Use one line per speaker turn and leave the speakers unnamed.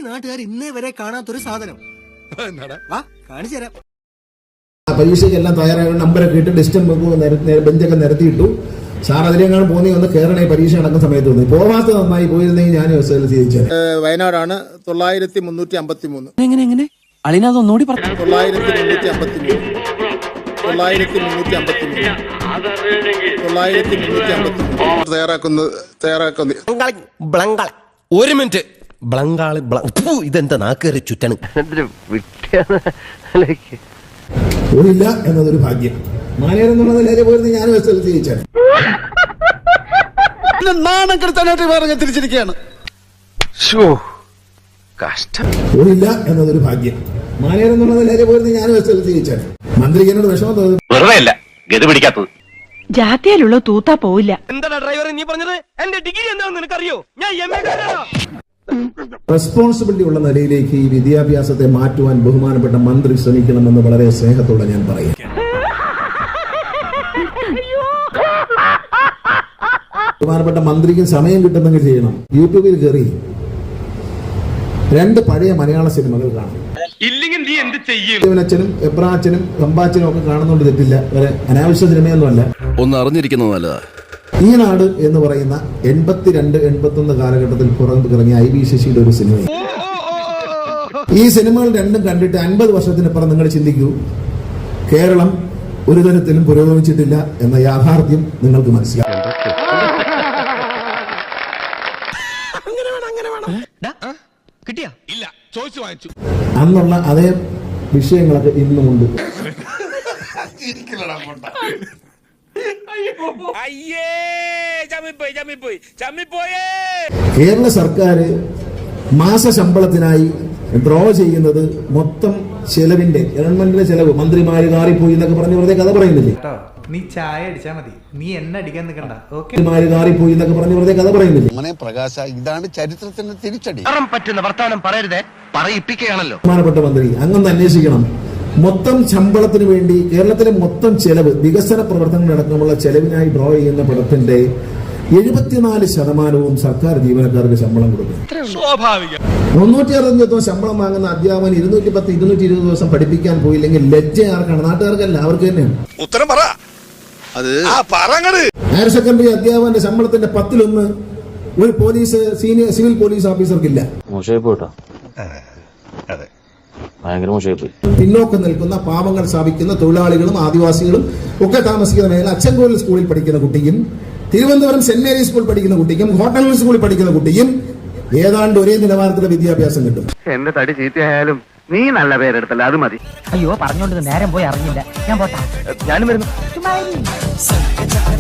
നാട്ടുകാർ ഇന്നേ വരെ കാണാത്തൊരു സാധനം. വാ കാണിച്ചു തരാം.
പരീക്ഷയ്ക്കെല്ലാം തയ്യാറായ നമ്പരൊക്കെ ഇട്ട് ഡിസ്റ്റൻസ് ബെഞ്ചൊക്കെ നിരത്തിയിട്ടു. സാർ അതിലെങ്ങാണ് പോന്നി വന്ന് കയറണേ പരീക്ഷ നടക്കുന്ന സമയത്ത് വന്നു. പോവാത്ത നന്നായി പോയിരുന്നെങ്കിൽ ഞാൻ ചോദിച്ചത്.
വയനാടാണ് 9353.
എങ്ങനെ അളിനതൊന്നുകൂടി
9353.
ഒരു മിനിറ്റ്. ബ്ലങ്കാളി ഇതെന്താ നാക്കേറി ചുറ്റണ്.
പോയില്ല എന്നതൊരു ഭാഗ്യം. മാനേരം എന്നുള്ളതിലേറെ പോയിരുന്നെങ്കിൽ ഞാൻ ചോദിച്ചാൽ.
നാണം കെടുത്താനായിട്ട് വേറെ തിരിച്ചിരിക്കുകയാണ്.
പോയില്ല എന്നതൊരു ഭാഗ്യം. മാനേരം എന്നുള്ളതിലേറെ പോയിരുന്നെങ്കിൽ ഞാൻ ചോദിച്ചാൽ. മന്ത്രിക്ക് എന്നോട് വിഷമം തോന്നുന്നു.
വെറുതെയല്ല ഗതി പിടിക്കാത്തത്.
ജാത്തിയാലുള്ള തൂത്താ പോവില്ല.
എന്താ ഡ്രൈവർ നീ പറഞ്ഞത്? എന്റെ ഡിഗ്രി എന്താണെന്ന് നിനക്കറിയോ? ഞാൻ MA കാരനാ.
റെസ്പോൺസിബിലിറ്റി ഉള്ള നിലയിലേക്ക് ഈ വിദ്യാഭ്യാസത്തെ മാറ്റുവാൻ ബഹുമാനപ്പെട്ട മന്ത്രി ശ്രമിക്കണമെന്ന് വളരെ സ്നേഹത്തോടെ ഞാൻ പറയും. ബഹുമാനപ്പെട്ട മന്ത്രിക്ക് സമയം കിട്ടുന്നെങ്കിൽ ചെയ്യണം. യൂട്യൂബിൽ കയറി 2 പഴയ മലയാള സിനിമകൾ കാണും.
ഇല്ലെങ്കിൽ നീ എന്ത് ചെയ്യും?
അച്ഛനും എബ്രാച്ചനും കമ്പാച്ചനും ഒക്കെ കാണുന്നോണ്ട് തെറ്റില്ല. വേറെ അനാവശ്യ സിനിമയൊന്നുമല്ല.
ഒന്ന് അറിഞ്ഞിരിക്കുന്നത് നല്ലതാ.
ഈ നാട് എന്ന് പറയുന്ന 82-81 കാലഘട്ടത്തിൽ പുറത്തിറങ്ങിയ IB ശശിയുടെ ഒരു സിനിമ. ഈ സിനിമകൾ രണ്ടും കണ്ടിട്ട് 50 വർഷത്തിനപ്പുറം നിങ്ങൾ ചിന്തിക്കൂ, കേരളം ഒരു തരത്തിലും പുരോഗമിച്ചിട്ടില്ല എന്ന യാഥാർത്ഥ്യം നിങ്ങൾക്ക് മനസ്സിലാക്കും.
കിട്ടിയാ?
ഇല്ല, ചോദിച്ചു വാങ്ങിച്ചു.
അന്നുള്ള അതേ വിഷയങ്ങളൊക്കെ ഇന്നുമുണ്ട്. കേരള സർക്കാർ മാസ ശമ്പളത്തിനായി ഡ്രോ ചെയ്യുന്നത് മൊത്തം ചെലവിന്റെ ഗവൺമെന്റിന്റെ ചെലവ് മന്ത്രിമാര് കാറിപ്പോയി എന്നൊക്കെ പറഞ്ഞ് വെറുതെ കഥ പറയുന്നില്ലേ?
നീ ചായ അടിച്ചാ മതി, നീ എന്നെ അടിക്കാൻ നിൽക്കണ്ട.
മന്ത്രിമാര് കാറിപ്പോയി എന്നൊക്കെ പറഞ്ഞ് വെറുതെ കഥ പറയുന്നില്ലേ?
പ്രകാശ, ഇതാണ് ചരിത്രത്തിന്റെ തിരിച്ചടി.
പറ്റുന്ന വർത്താനം പറയരുതേ, പറയിപ്പിക്കുകയാണല്ലോ.
ബഹുമാനപ്പെട്ട മന്ത്രി അങ്ങൊന്ന് അന്വേഷിക്കണം. മൊത്തം ശമ്പളത്തിന് വേണ്ടി കേരളത്തിലെ മൊത്തം ചെലവ്, വികസന പ്രവർത്തനങ്ങളടക്കമുള്ള ചെലവിനായി ഡ്രോ ചെയ്യുന്ന പണത്തിന്റെ 74% സർക്കാർ ജീവനക്കാർക്ക് ശമ്പളം കൊടുക്കും. 365 ദിവസം ശമ്പളം വാങ്ങുന്ന അധ്യാപകൻ 210-220 ദിവസം പഠിപ്പിക്കാൻ പോയില്ലെങ്കിൽ ലജ്ജ ആർക്കാണ്? നാട്ടുകാർക്കല്ല, അവർക്ക് തന്നെയാണ്.
ഉത്തരം പറ. അത്
ഹയർ സെക്കൻഡറി അധ്യാപകന്റെ ശമ്പളത്തിന്റെ 10-1 ഒരു പോലീസ് സിവിൽ പോലീസ് ഓഫീസർക്കില്ല. പിന്നോക്കം നിൽക്കുന്ന പാവങ്ങൾ സ്ഥാപിക്കുന്ന തൊഴിലാളികളും ആദിവാസികളും ഒക്കെ താമസിക്കുന്ന മേഖല അച്ചൻകോവിൽ സ്കൂളിൽ പഠിക്കുന്ന കുട്ടിയും തിരുവനന്തപുരം സെന്റ് മേരീസ് സ്കൂളിൽ പഠിക്കുന്ന കുട്ടിക്കും ഹോട്ടൽ സ്കൂളിൽ പഠിക്കുന്ന കുട്ടിയും ഏതാണ്ട് ഒരേ നിലവാരത്തിലുള്ള വിദ്യാഭ്യാസം കിട്ടും.
എന്റെ തടി ചീത്തയായാലും നീ നല്ല പേരെടുത്തല്ല, അത് മതി.
അയ്യോ പറഞ്ഞോണ്ട് നേരം പോയി അറിഞ്ഞില്ല. ഞാൻ പോട്ടാ.
ഞാനും വരുന്നു.